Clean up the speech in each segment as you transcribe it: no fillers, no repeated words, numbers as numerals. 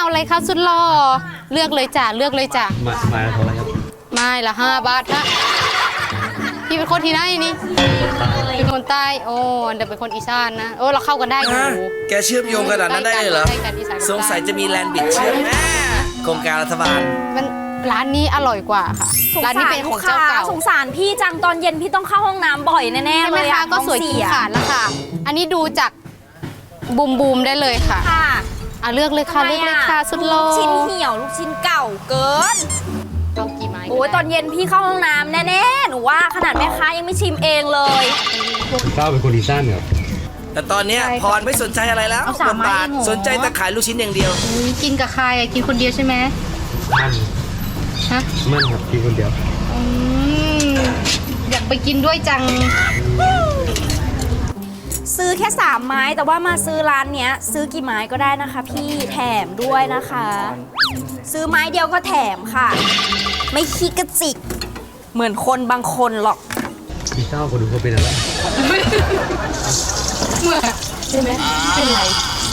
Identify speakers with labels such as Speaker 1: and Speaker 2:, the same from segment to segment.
Speaker 1: อะไรคะสุดหล่อเลือกเลยจ้ะเลือกเลยจ้ะ
Speaker 2: มาเท่าไหร่ครับ
Speaker 1: ไม่ละ5 บาทฮะพี่เป็นคนที่ไหนนี่เป็นคนใต้โอ้เดี๋ยวเป็นคนอีสานนะโอ้เราเข้ากันได้อยู่
Speaker 3: แกเชื่อมโยงขนาดนั้นได้เลยเหรอสงสัยจะมีแลนด์บิดเชื่อมโครงการรัฐบาล
Speaker 1: มันร้านนี้อร่อยกว่าค่ะร้านนี้เป็นของเจ้าเก่า
Speaker 4: สงสารพี่จังตอนเย็นพี่ต้องเข้าห้องน้ำบ่อยแน่ๆเลย
Speaker 1: ค่ะก็สวยขี้ขาดแล้วค่ะอันนี้ดูจากบูมได้เลยค่ะเลือกเลยค่ะเลือกเลยค่ะสุดโล
Speaker 4: ลูกชิ้นเหี่ยวลูกชิ้นเก่าเกิน
Speaker 1: เอากี่ไม้
Speaker 4: โอ้ยตอนเย็นพี่เข้าห้องน้ำแน่ๆหนูว่าขนาดแม่ค้ายังไม่ชิมเองเลย
Speaker 2: ก้าวเป็นคนอีสานครับ
Speaker 3: แต่ตอนนี้พรไม่สนใจอะไรแล้วบทบาทสนใจแต่ขายลูกชิ้นอย่างเดียว
Speaker 1: กินกับใครกินคนเดียวใช่ไหม
Speaker 2: มันครับกินคนเดียว
Speaker 1: อยากไปกินด้วยจัง
Speaker 4: ซื้อแค่3 ไม้แต่ว่ามาซื้อร้านเนี้ยซื้อกี่ไม้ก็ได้นะคะพี่แถมด้วยนะคะซื้อไม้เดียวก็แถมค่ะไม่ขี้กระจิกเหมือนคนบางคนหรอก
Speaker 2: พี่เจ้าคนดูเขาเป็นอะไร
Speaker 1: ใช่ไหมเป็นไร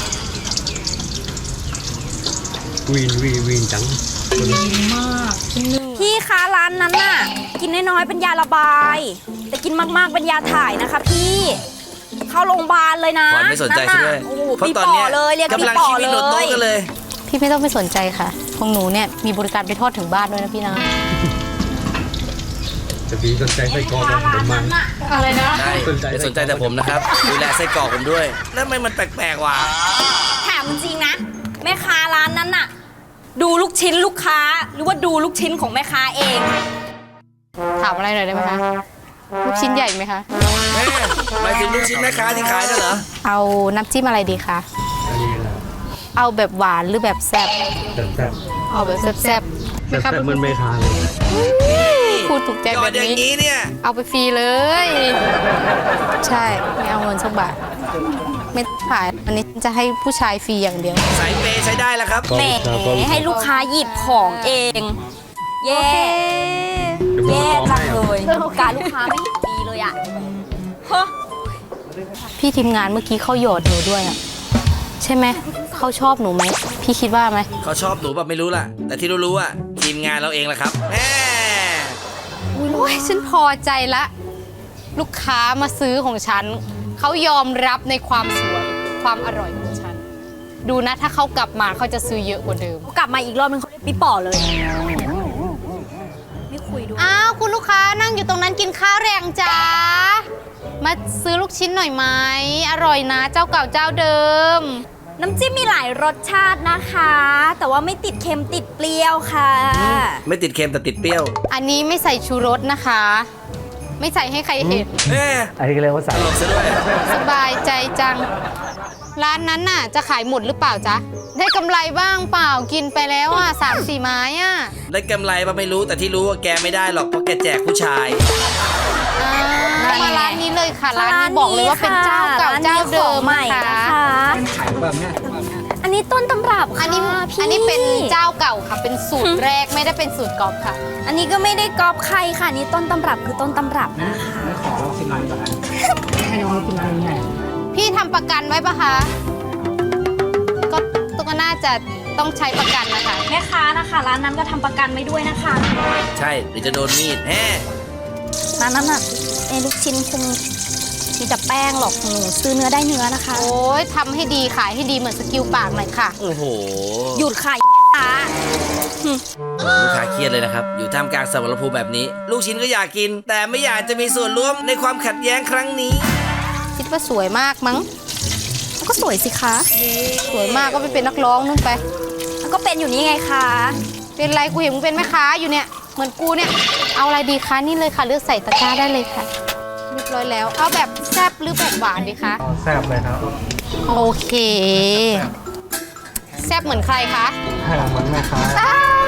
Speaker 2: วีนจัง
Speaker 1: ดีมาก
Speaker 4: พี่คะร้านนั้นน่ะกินน้อยๆเป็นยาระบายแต่กินมากๆเป็นยาถ่ายนะคะพี่เข้าโรงพยาบาลเลยนะ
Speaker 3: ไม่สนใจซะด้วย
Speaker 4: เพราะตอนนี้
Speaker 3: กำลังชีวิตโนโต้กันเลย
Speaker 1: พี่ไม่ต้องไปสนใจค่ะของหนูเนี่ยมีบริการไปทอดถึงบ้านด้วยนะพี่นะ
Speaker 2: จะพี่สนใจไส้กรอกผมมัน
Speaker 1: อะไรนะ
Speaker 3: ใช่สนใจแต่ผมนะครับดูแลไส้กรอกผมด้วยแล้วมันแปลกๆว่ะ
Speaker 4: ถามจริงๆนะแม่ค้าร้านนั้นน่ะดูลูกชิ้นลูกค้าหรือว่าดูลูกชิ้นของแม่ค้าเอง
Speaker 1: ถามอะไรหน่อยได้ไหมคะลูกชิ้นใหญ่ไหมคะ
Speaker 3: หมายถึงลูกชิ้นแม่ค้าที่ขายนั่นเหรอ
Speaker 1: เอาน้ำจิ้มอะไรดีคะเอาแบบหวานหรือแบบแซ่บเอาแบบแซ่บ
Speaker 2: มันไม่ค้าเลย
Speaker 1: พูดถูกใจแบบนี้
Speaker 3: เนี่ย
Speaker 1: เอาไปฟรีเลยใช่ไม่เอาเงินสักบาทไม่ขายอันนี้จะให้ผู้ชายฟรีอย่างเดียว
Speaker 3: สายเปย์ใช้ได้แล้วครับ
Speaker 4: แหมให้ลูกค้าหยิบของเองแย่จังเลยการลูกค้าไม่ดีเลยอ่ะ
Speaker 1: พี่ทีมงานเมื่อกี้เขาหยอดหนูด้วยอ่ะใช่ไหมเขาชอบหนูไหมพี่คิดว่าไหม
Speaker 3: เขาชอบหนูแบบไม่รู้ล่ะแต่ที่รู้อ่ะทีมงานเราเองแหละครับ
Speaker 1: โอ้ยฉันพอใจละลูกค้ามาซื้อของฉันเขายอมรับในความสวยความอร่อยของฉันดูนะถ้าเขากลับมาเขาจะซื้อเยอะกว่าเดิม
Speaker 4: กลับมาอีกรอบนึงเขาปีป่อเลยไม่คุยด้วย
Speaker 1: อ้าวคุณลูกค้านั่งอยู่ตรงนั้นกินข้าวแรงจ้ามาซื้อลูกชิ้นหน่อยไหมอร่อยนะเจ้าเก่าเจ้าเดิม
Speaker 4: น้ำจิ้มมีหลายรสชาตินะคะแต่ว่าไม่ติดเค็มติดเปรี้ยวค่ะ
Speaker 3: ไม่ติดเค็มแต่ติดเปรี้ยว
Speaker 1: อันนี้ไม่ใส่ชูรสนะคะไม่ใส่ให้ใครเห็น
Speaker 2: อันนี้ก็เรียกว่าใส่
Speaker 3: ซะด้วย
Speaker 1: สบายใจจังร้านนั้นน่ะจะขายหมดหรือเปล่าจ๊ะได้กำไรบ้างเปล่ากินไปแล้วอ่ะ3-4 ไม้อ่ะ
Speaker 3: ได้กำไรป่ะไม่รู้แต่ที่รู้ว่าแกไม่ได้หรอกเพราะแกแจกผู้ชาย
Speaker 1: มาร้านนี้เลยค่ะร้านนี้บอกเลยว่าเป็นเจ้าเก่าเจ้าเดิมนะคะ
Speaker 4: อันนี้ต้นตำรับ
Speaker 1: อันนี้เป็นเจ้าเก่าค่ะเป็นสูตรแรกไม่ได้เป็นสูตรก๊อปค่ะ
Speaker 4: อันนี้ก็ไม่ได้ก๊อปใครค่ะนี่ต้นตำรับคือต้นตำรับนะคะ
Speaker 2: ขอลองชิมหน่อยก่อนให้น้องกินอะไรไง
Speaker 1: พี่ทำประกันไว้ปะคะก็น่าจะต้องใช้ประกันนะคะ
Speaker 4: แม่ค้านะคะร้านนั้นก็ทำประกันไว้ด้วยนะคะ
Speaker 3: ใช่หรือจะโดนมีด
Speaker 4: ร้านนั้นน่ะลูกชิ้นคงมีแต่แป้งหรอกหนูซื้อเนื้อได้เนื้อนะคะ
Speaker 1: โอ้ยทำให้ดีขายให้ดีเหมือนสกิลปากหน่อยค่ะ
Speaker 3: โอ้โห
Speaker 4: หยุดขาย
Speaker 3: ลูกค้าเครียดเลยนะครับอยู่ท่ามกลางสมรภูมิแบบนี้ลูกชิ้นก็อยากกินแต่ไม่อยากจะมีส่วนร่วมในความขัดแย้งครั้งนี้
Speaker 1: คิดว่าสวยมากมั้ง
Speaker 4: ก็สวยสิคะ
Speaker 1: สวยมากก็ไปเป็นนักร้องนู่นไป
Speaker 4: แล้วก็เป็นอยู่นี่ไงคะ
Speaker 1: เป็นไรกูเห็นมึงเป็นแม่ค้าอยู่เนี่ยเหมือนกูเนี่ยเอาอะไรดีคะนี่เลยค่ะเลือกใส่ตะกร้าได้เลยค่ะเรียบร้อยแล้วเอาแบบแซ่บหรือแบบหวานดีคะ
Speaker 2: แซ่บเลยครับ
Speaker 1: โอเคแซ่บเหมือนใครคะ
Speaker 2: เหมือนแม่ค้า